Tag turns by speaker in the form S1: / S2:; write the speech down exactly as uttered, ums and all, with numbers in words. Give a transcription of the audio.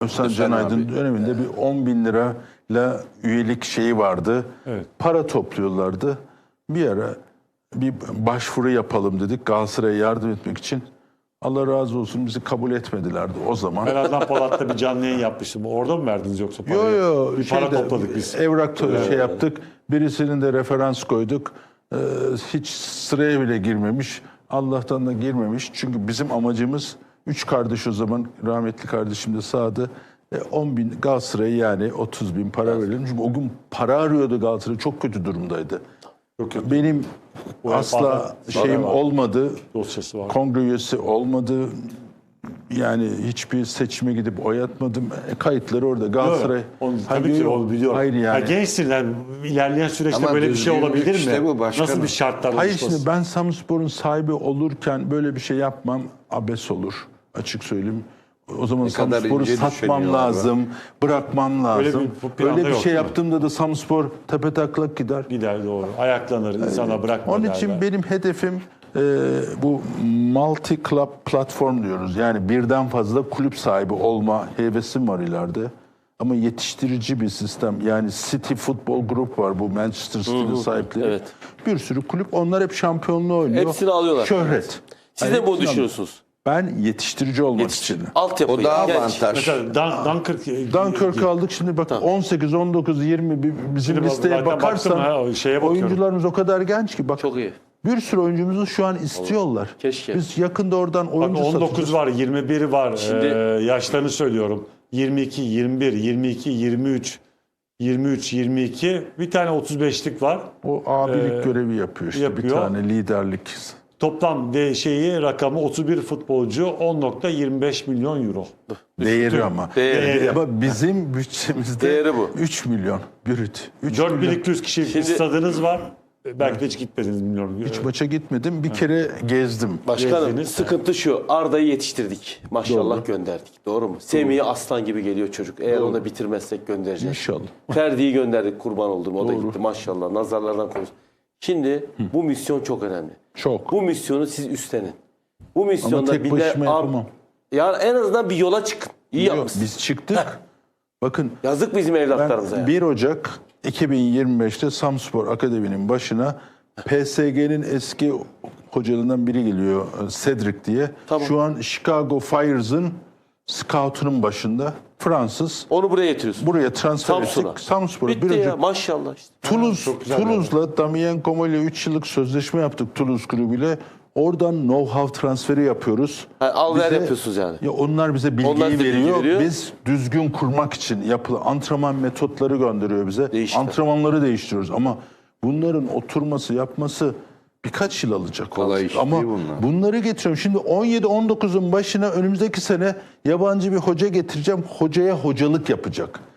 S1: Özcan
S2: Özcan
S1: Canaydın
S2: abi.
S1: döneminde bir on bin lirayla üyelik şeyi vardı.
S3: Evet.
S1: Para topluyorlardı. Bir ara bir başvuru yapalım dedik Galatasaray'a yardım etmek için. Allah razı olsun bizi kabul etmedilerdi o zaman.
S3: Ben Adnan Polat'ta bir canlı yayın yapmıştım. Orada mı verdiniz yoksa parayı?
S1: Yo yo
S3: Bir para
S1: şeyde,
S3: topladık biz.
S1: Evrak to- şey yaptık. Birisinin de referans koyduk. Ee, hiç sıraya bile girmemiş. Allah'tan da girmemiş. Çünkü bizim amacımız üç kardeş o zaman rahmetli kardeşim de sağdı. E, on bin Galatasaray'a yani otuz bin para verelim. Çünkü o gün para arıyordu Galatasaray. Çok kötü durumdaydı.
S3: Çok kötü.
S1: Benim
S3: U E F A'dan
S1: asla şeyim
S3: var.
S1: olmadı.
S3: Dosyası var.
S1: Kongre üyesi olmadı. Yani hiçbir seçime gidip oy atmadım. E, kayıtları orada. Galatasaray.
S3: Onu,
S1: Hayır,
S3: tabii ki
S1: yok.
S3: onu biliyorum.
S1: Hayır yani.
S3: Ha, gençsin yani ilerleyen süreçte
S2: Ama
S3: böyle bir şey
S2: düzgünlük
S3: olabilir
S2: işte
S3: mi?
S2: bu başkanım.
S3: Nasıl bir şartlar
S1: Hayır
S3: oluşması?
S1: şimdi ben Samspor'un sahibi olurken böyle bir şey yapmam abes olur. Açık söyleyeyim. O zaman
S2: kadar
S1: Samspor'u
S2: ince
S1: satmam
S2: düşünüyorlar
S1: lazım, bırakmam lazım.
S3: Öyle bir- bu planda
S1: Böyle bir
S3: yok,
S1: şey
S3: değil mi?
S1: yaptığımda da Samspor tepetaklak gider.
S3: Gider doğru. Ayaklanır, insana bırakma
S1: Onun
S3: derler.
S1: için benim hedefim e, bu multi club platform diyoruz. Yani birden fazla kulüp sahibi olma hevesim var ileride. Ama yetiştirici bir sistem. Yani City Football Group var bu Manchester City'nin sahipleri.
S4: evet.
S1: Bir sürü kulüp onlar hep şampiyonluğu oynuyor.
S4: Hepsini alıyorlar.
S1: Şöhret.
S4: Siz
S1: Yani
S4: de bunu
S1: hepsini
S4: düşünüyorsunuz.
S1: Ben yetiştirici olmak
S4: Yetiştir.
S1: için.
S4: Altyapı.
S2: O daha
S4: genç.
S2: avantaj.
S3: Mesela Dan, Dunkirk,
S1: Dunkirk'ü aldık şimdi bak on sekiz, on dokuz, yirmi bir- bizim
S3: Şimdi
S1: listeye
S3: zaten
S1: bakarsan
S3: baktım ha, o şeye bakıyorum.
S1: oyuncularımız o kadar genç ki bak
S4: Çok iyi.
S1: bir sürü oyuncumuzu şu an istiyorlar.
S4: Keşke.
S1: Biz yakında oradan
S3: Bak
S1: oyuncu
S3: on dokuz
S1: satacağız.
S3: var, yirmi bir var.
S4: Şimdi-
S3: Ee, yaşlarını söylüyorum. yirmi iki, yirmi bir, yirmi iki, yirmi üç, yirmi üç, yirmi iki. Bir tane otuz beşlik var.
S1: O abilik
S3: Ee,
S1: görevi yapıyor işte
S3: yapıyor.
S1: bir tane liderlik.
S3: Toplam de şeyi rakamı otuz bir futbolcu on nokta yirmi beş milyon euro.
S1: Değeri ama.
S4: Değeri.
S1: Ama bizim bütçemizde
S4: Değeri bu.
S1: üç milyon brüt. üç
S3: dört bin
S1: milyon.
S3: iki yüz kişilik
S4: Şimdi-
S3: stadınız var. Belki de hiç gitmediniz bilmiyorum.
S1: Hiç maça gitmedim. Bir kere gezdim.
S4: Başkanım
S3: Gezdiniz.
S4: sıkıntı şu. Arda'yı yetiştirdik. Maşallah
S1: Doğru.
S4: gönderdik. Doğru mu? Semih'i aslan gibi geliyor çocuk. Eğer onu bitirmezsek göndereceğiz.
S1: İnşallah.
S4: Ferdi'yi gönderdik kurban oldum. O da
S1: Doğru.
S4: gitti maşallah. Nazarlardan korusun. Şimdi bu misyon çok önemli.
S1: Çok.
S4: Bu misyonu siz üstlenin. Bu
S1: Ama
S4: misyonda
S1: tek
S4: bir de
S1: başıma
S4: Ar-
S1: yapamam.
S4: yani en azından bir yola çıkın. İyi
S1: Yok,
S4: yapmışsınız.
S1: biz çıktık. Bakın
S4: Yazık bizim evlatlarımıza.
S1: ben
S4: ya.
S1: bir Ocak iki bin yirmi beşte Samspor Akademi'nin başına P S G'nin eski hocalarından biri geliyor Cedric diye.
S4: Tamam.
S1: Şu an Chicago Fires'ın scoutunun başında Fransız.
S4: Onu buraya getiriyorsun.
S1: Buraya transfer
S4: Samsun'a.
S1: ettik. Samspor'a.
S4: Bitti
S1: Bir
S4: ya
S1: Ocak
S4: maşallah işte.
S1: Toulouse,
S3: güzel
S1: Toulouse'la Damien Como ile üç yıllık sözleşme yaptık Toulouse kulübüyle. Oradan know-how transferi yapıyoruz.
S4: Ha, al ver
S1: Bize-
S4: yapıyorsunuz yani.
S1: Ya onlar bize bilgiyi
S4: Onlar size bilgi
S1: veriyor.
S4: veriyor.
S1: Biz düzgün kurmak için yapılı antrenman metotları gönderiyor bize.
S4: Değişti.
S1: Antrenmanları değiştiriyoruz ama bunların oturması, yapması birkaç yıl alacak.
S2: Kolay iş
S1: ama
S2: değil bunlar.
S1: bunları getiriyorum. Şimdi on yedi on dokuzun başına önümüzdeki sene yabancı bir hoca getireceğim. Hocaya hocalık yapacak.